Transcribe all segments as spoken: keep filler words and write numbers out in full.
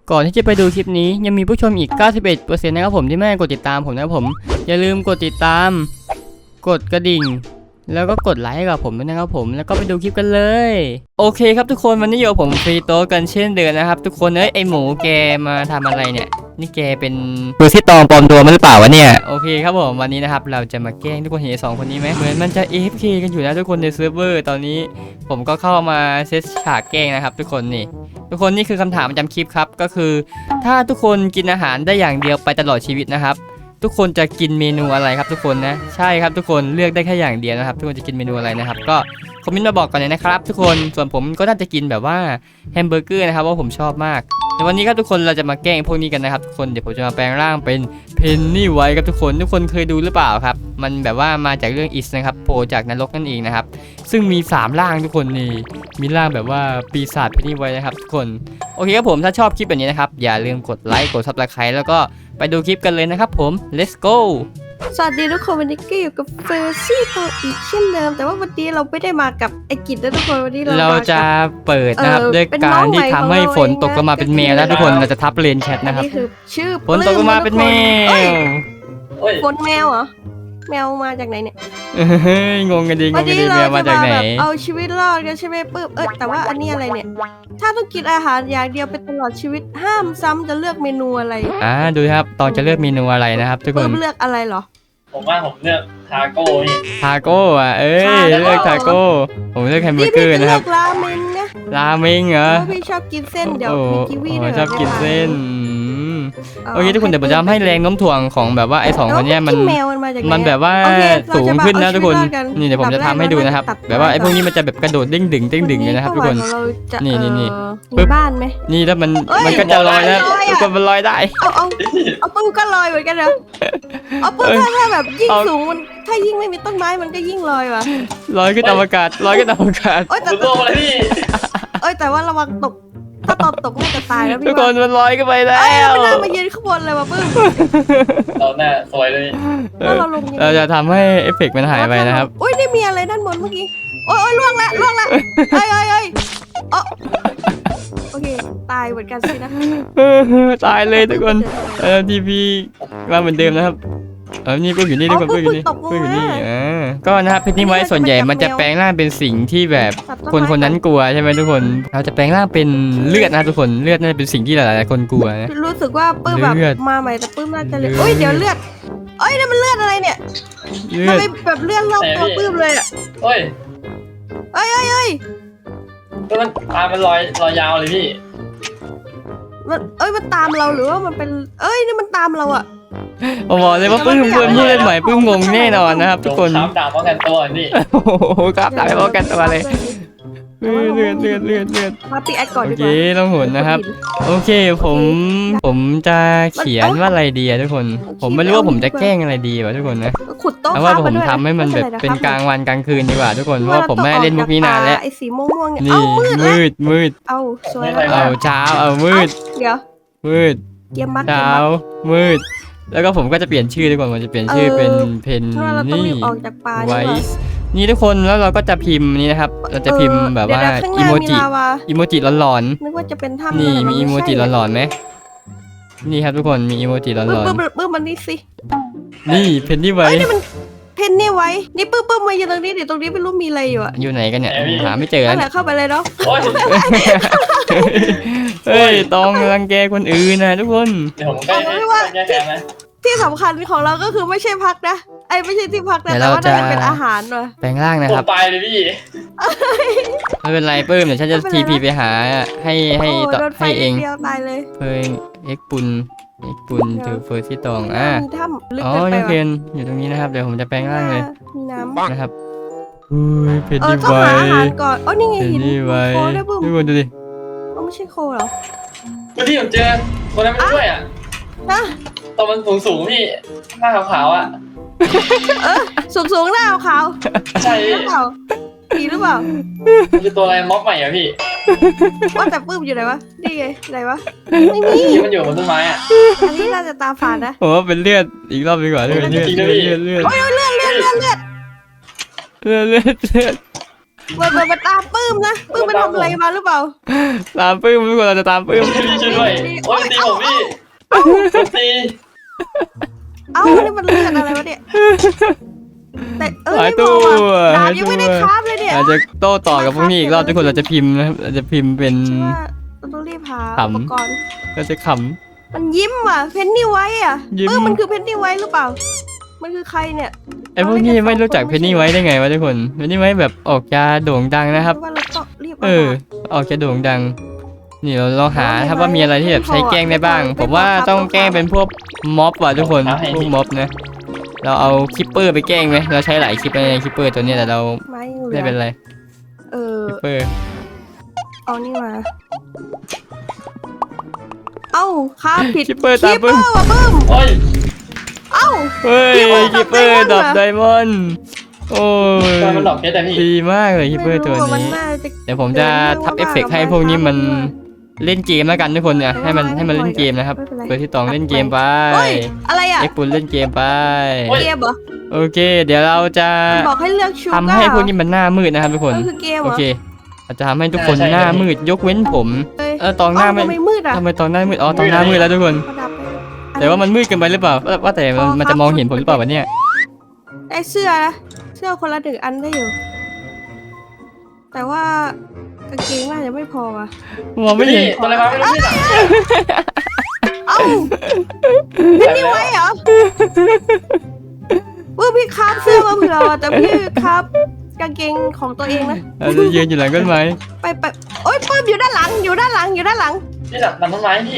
ก่อนที่จะไปดูคลิปนี้ยังมีผู้ชมอีก เก้าสิบเอ็ดเปอร์เซ็นต์ นะครับผมที่ไม่ได้กดติดตามผมนะครับผมอย่าลืมกดติดตามกดกระดิ่งแล้วก็กดไลค์ให้กับผมด้วยนะครับผมแล้วก็ไปดูคลิปกันเลยโอเคครับทุกคนวันนี้อยู่กับผมฟรีโต๊ะกันเช่นเดิมนะครับทุกคนเอ้ยไอหมูแกมาทำอะไรเนี่ยนี่แกเป็นตัวที่ตองปลอมตัวมาหรือเปล่าวะเนี่ยโอเคครับผมวันนี้นะครับเราจะมาแกล้งทุกคนเห็นสองคนนี้ไหมเหมือนมันจะ เอ เอฟ เค กันอยู่นะทุกคนในเซิร์ฟเวอร์ตอนนี้ผมก็เข้ามาเซตฉากแกล้งนะครับทุกคนนี่ทุกคนนี่คือคำถามประจำคลิปครับก็คือถ้าทุกคนกินอาหารได้อย่างเดียวไปตลอดชีวิตนะครับทุกคนจะกินเมนูอะไรครับทุกคนนะใช่ครับทุกคนเลือกได้แค่อย่างเดียวนะครับทุกคนจะกินเมนูอะไรนะครับก็คอมเมนต์มาบอกกันเลยนะครับทุกคนส่วนผมก็น่าจะกินแบบว่าแฮมเบอร์เกอร์นะครับว่าผมชอบมากในวันนี้ครับทุกคนเราจะมาแกล้งพวกนี้กันนะครับทุกคนเดี๋ยวผมจะมาแปลงร่างเป็นเพนนี่ไว้ครับทุกคนทุกคนเคยดูหรือเปล่าครับมันแบบว่ามาจากเรื่องอิสนะครับโผล่จากนรกนั่นเองนะครับซึ่งมีสามร่างทุกคนนี่มีร่างแบบว่าปีศาจเพนนี่ไว้นะครับทุกคนโอเคครับผมถ้าชอบคลิปแบบนี้นะครับอย่าลืมกดไลค์กดซับสไครต์แล้วก็ไปดูคลิปกันเลยนะครับผม let's go สวัสดีทุกคนวันนี้ก็อยู่กับเฟอร์ซี่ตัวอีกเช่นเดิมแต่ว่าวันนี้เราไม่ได้มากับไอกิจนะทุกคนวันนี้เราเราจะเปิดนะครับด้วยการที่ทำให้ฝนตกลงมาเป็นแมวแล้วทุกคนเราจะทับเลนแชทนะครับนี่คือชื่อฝนตกลงมาเป็นแมวฝนแมวเหรอแมวมาจากไหนเนี่ยเฮ้ยงงกันดีงวันงกันนี้ดีเราแมวมาจะจากมาไหนแบบเอาชีวิตรอดกันใช่ไหมปึ๊บเอ้ยแต่ว่าอันนี้อะไรเนี่ยถ้าต้องกินอาหารอย่างเดียวเป็นตลอดชีวิตห้ามซ้ำจะเลือกเมนูอะไรอ่าดูครับตอนจะเลือกเมนูอะไรนะครับทุกคปึ๊นบเลือกอะไรเหรอผมว่าผมเลือกทาโก้นี่ทาโก้อ่ะเอ้ยทาโก้เลือกทาโก้ผมเลือกแฮมเบอพี่ร์เกอพี่ร์จะนะเลืครัอบ กราเมงนะราเมงเหรอเพราะพี่ชอบกินเส้นเดี๋ยวโอ้มีกีวีโหด้วยชอบกินเส้นอืมาโอเคทุกคนเดี๋ยวผมจะทำให้แรงโน้มถ่วงของแบบว่าไอ้สองคนเนี้ยมันแล้วแมวมันมาจากไหนมันแบบว่าโอเคสูงขึ้นนะทุกคนเราจะมาเอาชีวิตรอดกันนี่เดี๋ยวผมจะทำให้ดูนะครับตัดแบบว่าไอ้พวกตัดนี้มันจะแบบกระโดดเด้งดึงเด้งดึงเลยนะครับทุกคนเป้าหมายของเราจะนี่นี่นี่เอ่อปึ๊บมีบ้านไหมนี่ถ้ามันเอ้ยมันก็จะลอยนะลอยอะทุกคนมันลอยได้เอาเอาเอาปื้มก็ลอยเหมือนกันนะเอาปื้มเอ้ยถ้าถ้าแบบยิ่งเอาสูงมันถ้ายิ่งไม่มีต้นไม้มันก็ยิ่งลอยว่ะลอยขึ้นอวกาศลอยขึ้นอวกาศโอ้ยผแต่มโลกอะไรพี่เอ้ยแต่ว่าระวังตกถ้าตอนตกน่าจะตายแล้วทุพี่กคนมันลอยขึ้นไปแล้เอ้ยว ไม่น่ามายืนข้างบนเลยว่ะปื้มเราหน้าสวยเลยแล้วเราลงยังไงเราจะทำให้เอฟเฟกต์มันหายไปนะครับอุ้ยนี่มีอะไรด้านบนเมื่อกี้โอ้ยโอ้ยล่วงละล่วงละเอ้ยเอ้ยเอ้ยเอ้อโอเคตายเหมือนกันสินะตายเลยทุกคนเออทีพีมาเหมือนเดิมนะครับเออนี่เพิ่งอยู่นี่ทุกคนเพิ่งอยู่นี่เพิ่งอยู่นี่อ่าก็นะครับเพชรนี่ไว้ส่วนใหญ่มันจะแปลงร่างเป็นสิ่งที่แบบคนคนนั้นกลัวใช่ไหมทุกคนเราจะแปลงร่างเป็นเลือดนะทุกคนเลือดน่าจะเป็นสิ่งที่หลายๆคนกลัวนะรู้สึกว่าปื้มแบบเลือดมาใหม่แต่ปื้มน่าจะเลยเลือดโอ้ยเดี๋ยวเลือดเอ้ยนี่มันเลือดอะไรเนี่ยเลืทำอดไมแบบเลือดรอบตัวปื้มเลยอ่ะเฮ้ยเอ้ยเอ้ยเอ้ยก็มันตามันลอยลอยยาวเลยพี่มันเอ้ยมันตามเราหรือว่ามันเป็นเอ้ยนี่มันตามเราอ่ะผมบอกเลยว่าปื้มเพื่อนผู้เล่นใหม่ปื้มงงแน่นอนนะครับทุกคนช้ำดาบป้องกันตัวนี่โอ้โหครับตายเพราะกันตัวเลยเลือดเลือดเลือดเลือดเลือดมาปีแอดก่อนโอดีกเคว่าต้องหนนะครับ โอเคผมผมจะเขียนว่าอะไรดีอะทุกคน ผมไม่รู้ว่าผมจะแกล้งอะไรดีวะทุกคนนะขุดโต๊ะเอาว่าค้ผมมด้วยทำให้มันแบบไเป็นกลางวันกลางคืนดีกว่าทุกคน เพเพราะว่าผมไม่ได้เล่นมุกนี้นานแล้วไอ้สีม่วงๆเนี่ยนี่เอ้ามืดแล้วมืดมืดเอาสวยเอาเช้าเอามืดเดี๋ยวมืดเกมบักเกมเช้าบักมืด แล้วก็ผมก็จะเปลี่ยนชื่อทุกคนผมจะเปลี่ยนชื่อเป็นเพนเพราะว่าเราต้องนี่รีบออกจากป่าไว้ดีกว่านี่ทุกคนแล้วเราก็จะพิมพ์นี่นะครับ เราจะพิมพ์แบบว่าเดี๋ยๆข้างหอีน้โมมีจิลาวาอีโมจิหลอนนึกว่าจะเป็นถ้ำๆนี่แต่มีนอีโมไใช่จิหลอนๆไหมนี่ครับทุกคนมีอีโมจิหลปื้มอนปื้มปื้มมันนี่สิๆนี่เพนนี่ไว้เอ้ยนี่มันเพนนี่ไว้นี่ปื้มปื้มมาอยู่ตรงนี้เดี๋ยวตรงนี้ไม่รู้มีอะไรอยู่อะอยู่ไหนกันเนี่ยหาไม่เจอนั่แล้วนแหละเข้าไปเลยเนาะโอ้ยเฮ้ยต้องรังแกคนอื่นนะทุกคนเดี๋ยวผมใกล้ใกล้แก้แค้นนะที่สำคัญของเราก็คือไม่ใช่พักนะไอ้ไม่ใช่ที่พักนะเดี๋ยวแต่เราว่าน่าจะจะเป็นอาหารว่ะแปลงร่างนะผครัมบตายเลยพี่ไม่เป็นไรปื้มเดี๋ยวฉันจะไม่ทีเป็นไรพีไปหาให้ให้โอ้ต่อโดนไฟให้เองนิดเดียวตายเลยเพิ่งเอ็กปุนเอ็กปุนเดี๋ถืยวอเฟอร์ที่ตองอ่ะมีถ้ำลึกอ๋อเกินไปยังเพว่ะนอยู่ตรงนี้นะครับเดี๋ยวผมจะแปลงร่างเลยมีน้ำนะครับอุ้ยเพนเออนี่ต้องไว้หาอาหารก่อนเอ๋อนี่ไงเพนหินนี่ไว้โคได้บุ้มทุกคนดูดิเอ้าไม่ใช่โคเหรอเมื่อที่ผมเจอคนนั้นไม่ช่วยอ่ะนะตอนมันสูงสูงๆพี่หน้าขาวๆอ่ะเออสูงสูงๆหน้าขาวใช่ๆหพี่รือเปล่าผีหรือเปล่ามันคือตัวอะไรม็อบใหม่อ่ะพี่ว่าแต่ปื้มอยู่ไหนวะนี่ไงไหนวะไม่มีที่มันอยู่บนต้นไม้อ่ะอันนี้น่าจะตาฝาดนะผมว่าเป็นเลือดอีกรอบดีกว่าเลือดเลือดจริงเลืนะอดพี่เลือดเลือดโอ้ยเลือดเลือดเลือดเลือดเลือดเลือดเลือดมันมันมันตามปื้มนะปื้มมันทำอะไรมาหรือเปล่าตามปื้มทุกคนเราจะตามปื้มพี่ช่วยด้วยโอ้ยตีผมพี่ตีเอ้านี่มันเลือดอะไรวะเนี่ยแต่เออหายไม่ตัพวอว่ะดาบหายยังตัไม่ได้วคราฟเลยเนี่ยอาจจะโต้ต่อกับพวกนี้อีกรอบทุกคนเราจะพิมพ์นะครับเราจะพิมพ์เป็นฉันว่าเราต้องรีบหาขำอุปกรณ์เราจะขมันยิ้มอ่ะเพนนี่ไว้อ่ะยิ้มเออมันคือเพนนี่ไว้หรือเปล่า มันคือใครเนี่ยำไอ้พวกนี้ไม่รู้จักเพนนี่ไว้ได้ไงวะทุกคนเพนนี่ไว้แบบออกจะโด่งดังนะครับว่าเราต้องรีบเออ ออกจะโด่งดัง นี่เราลองหาครับว่ามีอะไรที่แบบใช้แกล้งได้บ้าง ผมว่าต้องแกล้งเป็นพวกม็อบว่ะทุกคนพวกม็อบนะเราเอาคิปเปอร์ไปแกล้งไหมเราใช้หลายคลิปในคิปเปอร์ตัวเนี้ยแต่เราไม้เหลืไม่อเป็นไรเออคิปเปอร์เอานี่มา เอ้าค้าผิดคิปเปอร์ตามคิปเปปึ้อมร์ว่ะปึ้มโอ้ยเอ้าเฮ้ยคิคิปปเปเปออร์ร์ดัดับบ ไดไดมมออน นด์โอ้ยทำไมมันหลอกเพชรแต่พี่ดีมากเลยคิปเปอร์ตัวไม่นี้รู้ว่ามันน่าจะเดี๋ยวผมจะทับเอฟเฟกต์ให้พวกนี้มันเล่นเกมแล้วกันทุกคนเนี่ยให้มันให้มันเล่นเกมนะครับเปิดที่ตองเล่นเกมไปเฮ้ยอะไรอ่ะเอ็กปุนเล่นเกมไปเกมเหรอโอเค เดี๋ยวเราจะมันบอกให้เลือกชูทำให้พวกนี้มันหน้ามืดนะครับทุกคนเออคือเกมเหโอรอเคเราจะทำให้ทุกคนหน้ามืดยกเว้นผมเอ้ยเออตองหน้าไม่เอ้ทำไมมืดอ่ะทำไมตองหน้ามืดอ๋อตองหน้ามืดแล้วทุกคนประดับไปแต่ว่ามันมืดเกินไปหรือเปล่าว่าว่าแต่มันมันจะมองเห็นผมหรือเปล่าวะเนี่ยได้เสื้อนะเสื้อคนละหนึ่งอันได้อยู่ แต่ว่ากางเกงน่าจะไม่พออ่ะมองไม่เห็นพี่ตัวอะไรมาไม่รู้พี่น่ะเอ้าพี่นี่ไว้เหรอเมื่อพี่คราฟเสื้อมาเผื่อว่ะแต่พี่คราฟกางเกงของตัวเองนะเราจะยืนอยู่หลังต้นไม้ไปไปโอ๊ยปื้มอยู่ด้านหลังอยู่ด้านหลังอยู่ด้านหลังพี่ดับดับต้นไม้พี่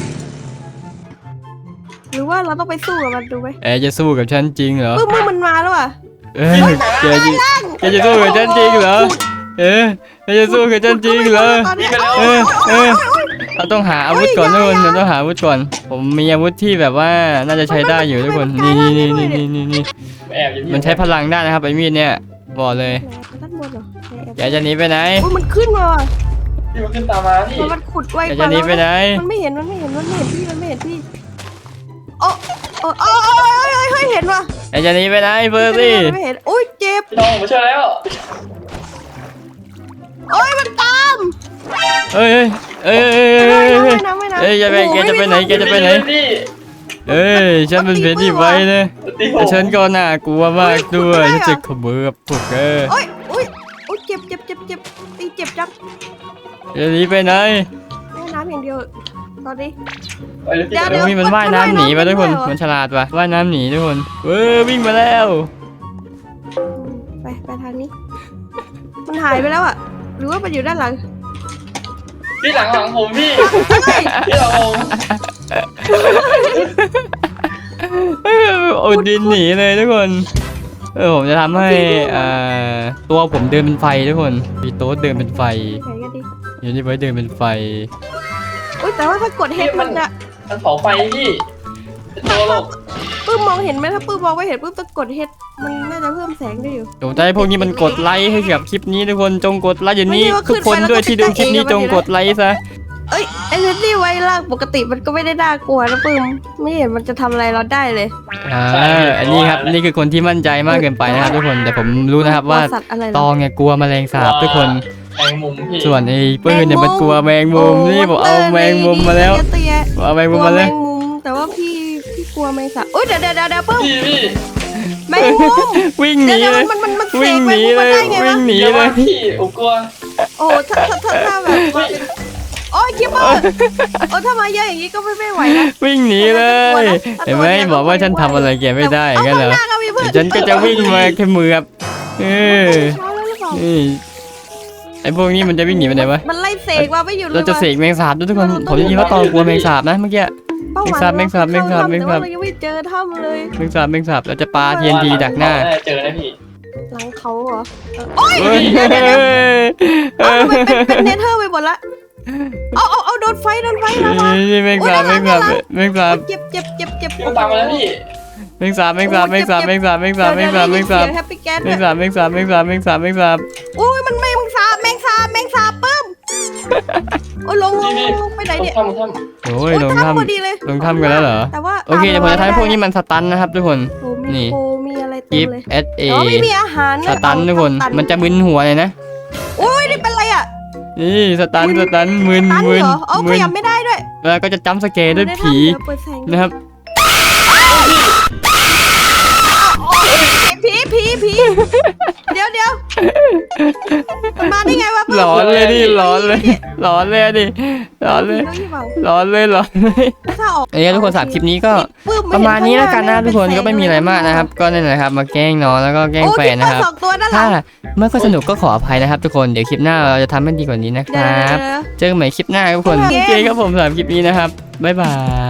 หรือว่าเราต้องไปสู้กับมันดูไหมแอร์จะสู้กับฉันจริงเหรอปื้มปื้มมันมาแล้วอ่ะเอ้ยแกจะแกจะสู้กับฉันจริงเหรอเอ๊ะแกจะสู้กับฉันจริงเหรอตอนนี้เออเออเราต้องหาอาวุธก่อนทุกคนเราต้องหาอาวุธก่อน ผมมีอาวุธที่แบบว่าน่าจะใช้ได้อยู่ทุกคน นี่นี่นี่นี่นี่นี่นี่แอบอยู่พี่มันใช้พลังได้นะครับไอ้มีดเนี่ยบอกเลยด้านบนเหรอแกจะหนีไปไหนโอ้ยมันขึ้นมาว่ะพี่มันขึ้นตามมาพี่มันมันขุดไวแกกจะว่าหนีไปไหนมันไม่เห็นมันไม่เห็นมันไม่เห็นพี่มันไม่เห็นพี่โอ้โอ้โอ้โอ้ยเฮ้ยเห็นว่ะแกจะหนีไปไหนเฟอร์ซี่ไม่เห็นโอ้ยเจ็บพี่น้องมาช่วยแล้วโอ้ยมันตามเอ้ยเอ้ยเอ้ยเอ้ยไม่เอ้ยนะไม่นะเอ้ยจะไปแกจะไปไหนแกจะไปไหนพี่เอ้ยฉันเป็นเพนที่ไว้นะตีผแต่มฉันก็น่ากลัวมากด้วยฉันจะขมือบพวกเออโอ้ยโอ้ยโอ้ยเจ็บเจ็บเจ็บเจ็บตีเจ็บจังจะหนีไปไหนแม่น้ำอย่างเดียวตอนนี้ไปเลยพี่เดี๋ยวเดี๋ยวมีมันว่ายน้ำหนีไปทุกคนมันฉลาดว่ะว่ายน้ำหนีทุกคนเออวิ่งมาแล้วไปไปทางนี้ มันหายไปแล้วอ่ะหรือว่ามันอยู่ด้านหลังพี่หลังหลังผมพี่เฮ้ยพี่หลังผมโอดินหนีเลยทุกคนเออผมจะทำให้อ่าตัวผมเดินเป็นไฟทุกคนมีโต๊ะเดินเป็นไฟไหนกันดิอยู่นี่ไว้เดินเป็นไฟอุ้ยแต่ว่าถ้ากดเฮดมันจะมันเผาไฟพี่ตัวโลกปื้มมองเห็นไหมถ้าปื้มมองไม่เห็นปื้มต้องกดเฮดมันน่าจะเพิ่มแสงได้อยู่ผมจะให้พวกนี้มันกดไลค์ให้กับคลิปนี้ทุกคนจงกดไลค์อย่างนี้ไม่ใช่ว่าทุกคนขึ้นไปแล้วด้วยที่ดูคลิปนี้ก็จจะงเองกดไลค์ซะเอ้ยไอ้เพนนี่ไว้ล่างปกติมันก็ไม่ได้น่ากลัวนะปื้มไม่เห็นมันจะทำอะไรเราได้เลยอ่าอันนี้ครับนี่คือคนที่มั่นใจมากเกินไปนะครับทุกคนแต่ผมรู้นะครับว่าสัตว์อะไรเหรตอองเนี่ยกลัวแมลงสาบทุกคนแมงมุมพี่ส่วนไอ้ปืนเนี่ยมันกลัวแมงมุมโอ้นี่ผมเอาแมงมุมมาแล้วเตี้ยเอาแมงๆกมุลัมวมาแมแล้วงมุมแต่ว่าพี่พี่กลัวแมงสาบโอ้ยเดี๋ยวเดี๋ยวเดี๋ยวปื้มพี่พี่แมงมุมวิ่งหเดี๋นียวเลยมันมันมันเสวิ่งกหแมนีงมุมเลมายได้ไงวิ่วะงหนีอย่าเลว่าย พี่ผมกลัวโอ้ถ้าถ้าถ้าถ้าแบบว่าเป็นโอ้ยคิปเปอร์โอ้ถ้ามาเยอะอย่างนี้ก็ไม่ไม่ไหวนะวิ่งหนีเลยเห็นไหมบอกว่าฉันทำอะไรแกไม่ได้กันเหรอเอาข้างหน้าก็มีเพื่อนเดี๋ยวฉันก็จะวิ่งมาแค่มือครับเออช้าแล้วหรือเปล่านี่ไอ้พวกนี้มันจะวิ่งหนีไปไหนวะมันไล่เสกมาไม่หยุดเลยเราจะเสกแมงสาบด้วยทุกคนผมได้ยินว่าตองกลัวแมงสาบนะเมื่อกี้เป้าหมายแมงสาบแมงสาบแมงสาบแต่ว่าเรายังไม่เจอถ้ำเลยแมงสาบแมงสาบเราจะปาเทียนดีดักหน้าเจอนะพี่หลังเขาเหรอโอ้ยเฮ้ยเดี๋ยวเดี๋ยวเดี๋ยวเอาทำไมเป็นเป็นเนเธอร์ไปหมดละเอาเอาเอาโดนไฟโดนไฟนะวะนี่แมงสาบแมงสาบแมงสาบเจ็บเจ็บเจ็บเจ็บพี่ตามมาแล้วพี่แมงสาบแมงสาบแมงสาบแมงสาบแมงสาบแมงสาบแมงสาบแฮปปี้แก๊สแมงสาบแมงสาบแมงสาบแมงสาบแมงสาบโอ้ยมันแมงสาบแมงสาบแมงสาบปึ้มโอ้ยลงลงลงลงไปไหนเนี่ยทำทำโอ้ยลงโอ้ยถ้พอดีเลยำลงถ้ำกันแล้วเหรอแต่ว่าโอเคเดี๋ยวผมจะทำให้พวกนี้มันสตันนะครับทุกคนโอ้มีนี่โอ้มีมีอะไรเต็กิมฟเลยเอสเออ๋อไม่มีอาหารสตันทุกคนมันจะมึนหัวเลยนะโอ้ยนี่เป็นไรอ่ะนี่สตันสตันมึนตันมึนเหรอเอาขมึนยับไม่ได้ด้วยแล้วก็จะจัมป์สแกร์ด้วยผีเดี๋ยวเปิดแสงนะครับผีผีผีเดี๋ยวเดี๋ยวมันมาได้ไงวะหลอนเลยดิหลอนเลยหลอนเลยดิหลอนเลยดี๋วนี่เปล่าหลอนเลยหลอนเลยถ้าออกเอ้ยทุกคนสามคลิปนี้ก็ปื้ประมาณนี้แล้วกันนะเห็ทุกคนก็ไม่มีอะไรมากนะครับ ก็นั่นแหละครับมาแกล้งน้องแล้วก็แกล้งโอ้แฟที่นนะครับสองตัวด้านหลัถ้าง ไม่ค่อยสนุกก็ขออภัยนะครับ ทุกคนเดี๋ยวคลิปหน้าเราจะทำให้ดีกว่านี้นะคเดี๋ยวรับเดี๋ยวเจอกันใหม่คลิปหน้าครับทุกคนโอเคโอเคครับผมสำหรับคลิปนี้นะครับบ๊ายบาย